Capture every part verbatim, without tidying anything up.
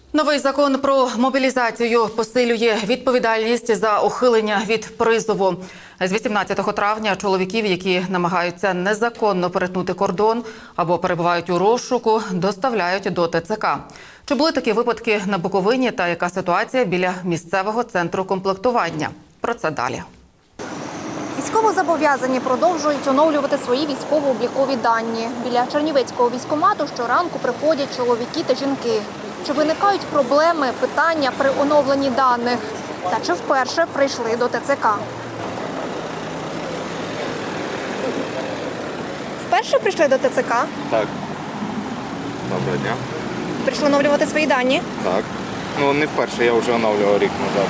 Новий закон про мобілізацію посилює відповідальність за ухилення від призову. З вісімнадцятого травня чоловіків, які намагаються незаконно перетнути кордон або перебувають у розшуку, доставляють до Те Це Ка. Чи були такі випадки на Буковині та яка ситуація біля місцевого центру комплектування? Про це далі. Військовозобов'язані продовжують оновлювати свої військово-облікові дані. Біля Чернівецького військкомату щоранку приходять чоловіки та жінки. Чи виникають проблеми, питання при оновленні даних? Та чи вперше прийшли до Те Це Ка? Вперше прийшли до Те Це Ка? Так. Доброго дня. Прийшли оновлювати свої дані? Так. Ну, не вперше, я вже оновлював рік назад.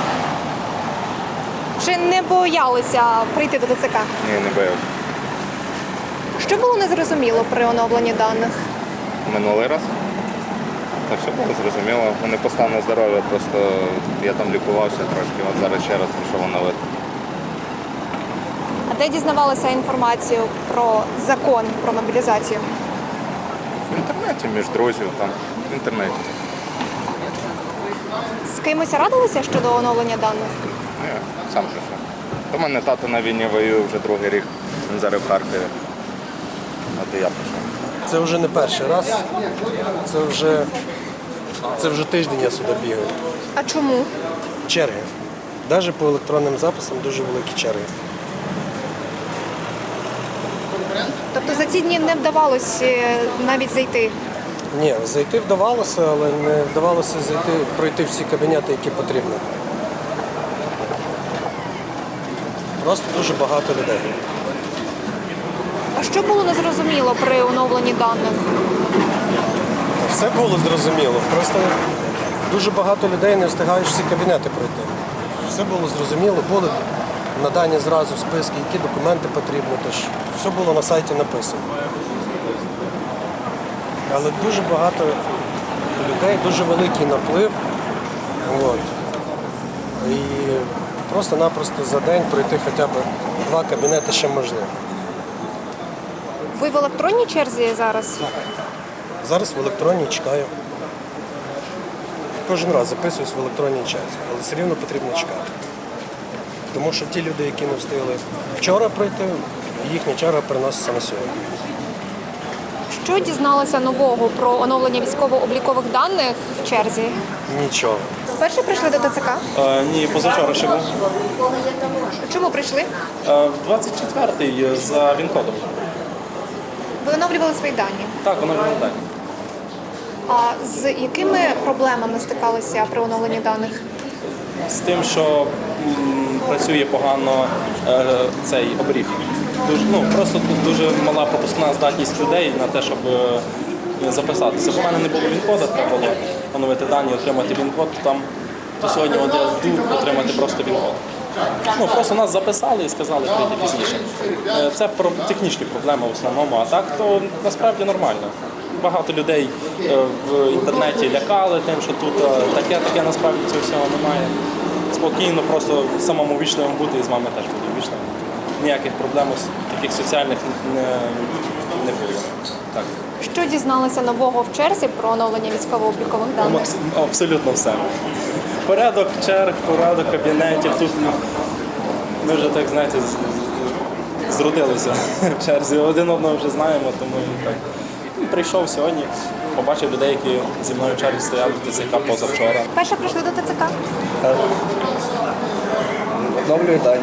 Чи не боялися прийти до Те Це Ка? Ні, не боявся. Що було незрозуміло при оновленні даних? Минулий раз. Та все було зрозуміло. У мене постане здоров'я, просто я там лікувався трошки, от зараз ще раз прийшов оновити. А де дізнавалися інформацію про закон про мобілізацію? В інтернеті, між друзів, там, в інтернеті. З кимось радилися щодо оновлення даних? Ну, я сам прийшов. У мене тато на війні воює вже другий рік, він зараз в Харкові. От і я прийшов. Це вже не перший раз, це вже, це вже тиждень я сюди бігаю. А чому? Черги. Навіть по електронним записам дуже великі черги. Тобто за ці дні не вдавалося навіть зайти? Ні, зайти вдавалося, але не вдавалося зайти, пройти всі кабінети, які потрібно. Просто дуже багато людей. А що було незрозуміло при оновленні даних? Все було зрозуміло, просто дуже багато людей не встигають всі кабінети пройти. Все було зрозуміло, були надані зразу списки, які документи потрібні, тож все було на сайті написано. Але дуже багато людей, дуже великий наплив. От. І просто-напросто за день пройти хоча б два кабінети ще можливо. Ви в електронній черзі зараз? Зараз в електронній чекаю. Кожен раз записуюсь в електронній черзі, але все рівно потрібно чекати. Тому що ті люди, які не встигли вчора пройти, їхня черга переноситься на сьогодні. Що дізналися нового про оновлення військово-облікових даних в черзі? Нічого. Вперше прийшли до Те Це Ка? Е, ні, позавчора ще був. Чому прийшли? Е, в двадцять четвертий за ВІН-кодом. Ви оновлювали свої дані. Так, воно виглядає. А з якими проблемами стикалися при оновленні даних? З тим, що м, працює погано е, цей обріг. Дуже, ну, просто тут дуже мала пропускна здатність людей на те, щоб е, записатися. Бо в мене не було ВІН-кода, треба було оновити дані, отримати ВІН-код, там, то сьогодні от я йду отримати просто ВІН-код. Ну, просто нас записали і сказали прийти пізніше. Е, Це про технічні проблеми в основному, а так то насправді нормально. Багато людей е, в інтернеті лякали тим, що тут е, таке, таке насправді цього всього немає. Спокійно, просто самому вічливим бути і з вами теж буду вічливим. Ніяких проблем таких соціальних не, не було. Так. Що дізналися нового в черзі про оновлення військово-облікових даних? Абс- Абсолютно все. Порядок черг, порядок кабінетів. Тут ми вже так, знаєте, з- зродилися в черзі. Один одного вже знаємо, тому і так. Прийшов сьогодні, побачив людей, які зі мною в черзі стояли в Те Це Ка позавчора. Перше прийшли до Те Це Ка? Оновлюю дані.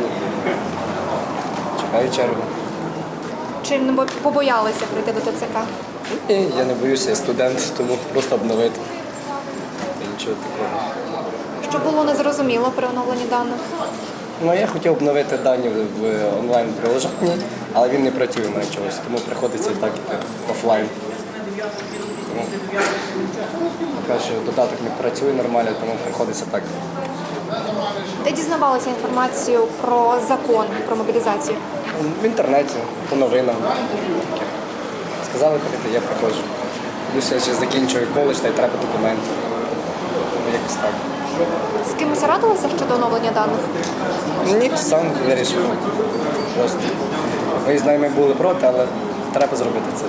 Чекаю чергу. Чи не бо- побоялися прийти до Те Це Ка? Ні, я не боюся, я студент, тому просто обновити. І нічого такого. Що було незрозуміло при оновленні даних? Ну, я хотів обновити дані в, в онлайн-приложенні, але він не працює на чогось, тому приходиться і так іти офлайн. Тому поки що додаток не працює нормально, тому приходиться так. Де дізнавалися інформацію про закон про мобілізацію? В інтернеті, по новинам. Таке. Сказали прийти, я приходжу. Плюс я ще закінчую коледж, та й треба документи. Якось так. З кимось радилися щодо оновлення даних? Ні, сам вирішив. Просто. Ми з ними були проти, але треба зробити це.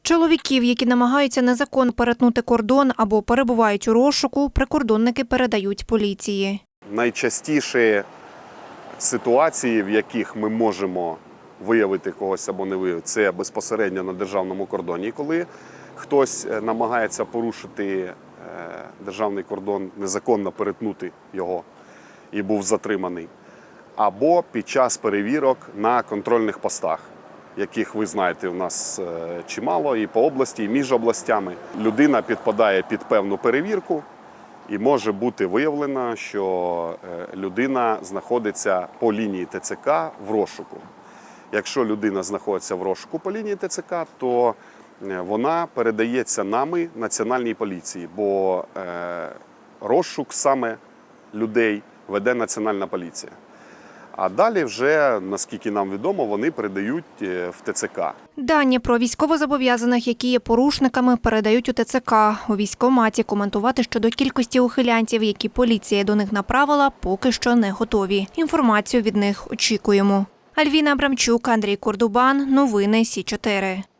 Чоловіків, які намагаються незаконно перетнути кордон або перебувають у розшуку, прикордонники передають поліції. Найчастіші ситуації, в яких ми можемо виявити когось або не виявити, це безпосередньо на державному кордоні, коли хтось намагається порушити державний кордон, незаконно перетнути його і був затриманий, або під час перевірок на контрольних постах, яких, ви знаєте, у нас чимало і по області, і між областями. Людина підпадає під певну перевірку і може бути виявлено, що людина знаходиться по лінії ТЦК в розшуку. Якщо людина знаходиться в розшуку по лінії ТЦК, то вона передається нами Національній поліції, бо розшук саме людей веде Національна поліція. А далі вже, наскільки нам відомо, вони передають в ТЦК. Дані про військовозобов'язаних, які є порушниками, передають у ТЦК. У військкоматі коментувати щодо кількості ухилянтів, які поліція до них направила, поки що не готові. Інформацію від них очікуємо. Альвіна Абрамчук, Андрій Кордубан. Новини Сі чотири.